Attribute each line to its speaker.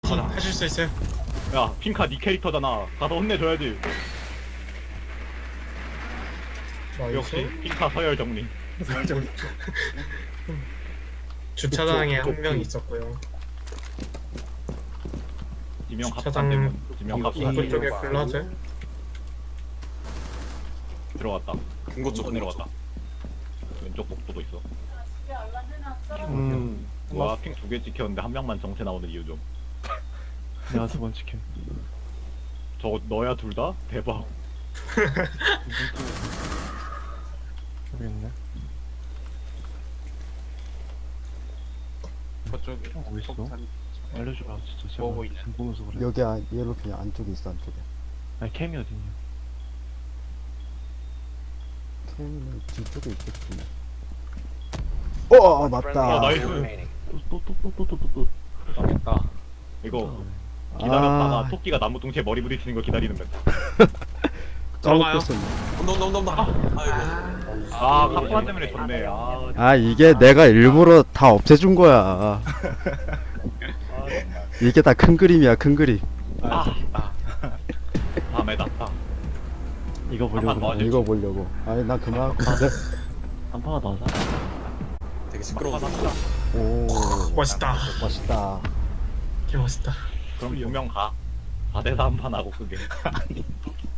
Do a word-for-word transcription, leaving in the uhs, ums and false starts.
Speaker 1: 가자. 하실 수 있어요.
Speaker 2: 야 핑카 니 캐릭터잖아. 가서 혼내줘야지.
Speaker 1: 나이스.
Speaker 2: 역시 핑카 서열 정리.
Speaker 1: 주차장에
Speaker 2: 그쪽,
Speaker 1: 한 명
Speaker 2: 그쪽.
Speaker 1: 있었고요.
Speaker 2: 지명
Speaker 1: 주차장
Speaker 2: 합산 되면 지명
Speaker 1: 이-
Speaker 2: 합산
Speaker 1: 입구 쪽에
Speaker 2: 되면
Speaker 1: 클라즈.
Speaker 2: 들어갔다.
Speaker 3: 금고 쪽
Speaker 2: 쪽 내려갔다. 왼쪽 복도도 있어.
Speaker 4: 음,
Speaker 2: 와 핑 두 개 찍혔는데 한 명만 정체 나오는 이유 좀.
Speaker 4: 내가 두 번 지켜.
Speaker 2: 저거 너야 둘 다? 대박.
Speaker 4: 모르겠네.
Speaker 5: 저쪽에
Speaker 4: 어, 어딨어?
Speaker 5: 폭탄
Speaker 4: 알려줘라, 진짜. 제발.
Speaker 5: 뭐 보이냐?
Speaker 4: 지금 보면서 그래.
Speaker 6: 여기 안, 얘로 그냥 안쪽에 있어 안쪽에.
Speaker 4: 아니, 캠이 어딨냐?
Speaker 6: 캠은 뒤쪽에 있겠지. 어 맞다.
Speaker 2: 아 나이스.
Speaker 4: 또, 또, 또, 또, 또, 또, 또.
Speaker 5: 망했다.
Speaker 2: 이거 기다렸다가
Speaker 6: 아.
Speaker 2: 토끼가 나무 뚱치에 머리 부딪히는 거 기다리는 거.
Speaker 1: 들어가요.
Speaker 6: 까먹었었네.
Speaker 3: 온다 온다 온다 온다. 아이고.
Speaker 2: 아 카프라 때문에 졌네. 아,
Speaker 6: 아 이게 내가 일부러 다 없애준 거야. 이게 다 큰 그림이야 큰 그림.
Speaker 2: 아, 아. 다음에다. 아,
Speaker 4: 이거
Speaker 2: 한판
Speaker 4: 보려고.
Speaker 2: 더 하지.
Speaker 6: 이거 보려고. 아니 나 그만.
Speaker 4: 한 판만 더 하자.
Speaker 3: 되게 시끄러워.
Speaker 6: 오
Speaker 1: 멋있다.
Speaker 6: 멋있다.
Speaker 1: 개 멋있다.
Speaker 2: 그럼 두 명 가. 사 대 사 한 판 하고 그게.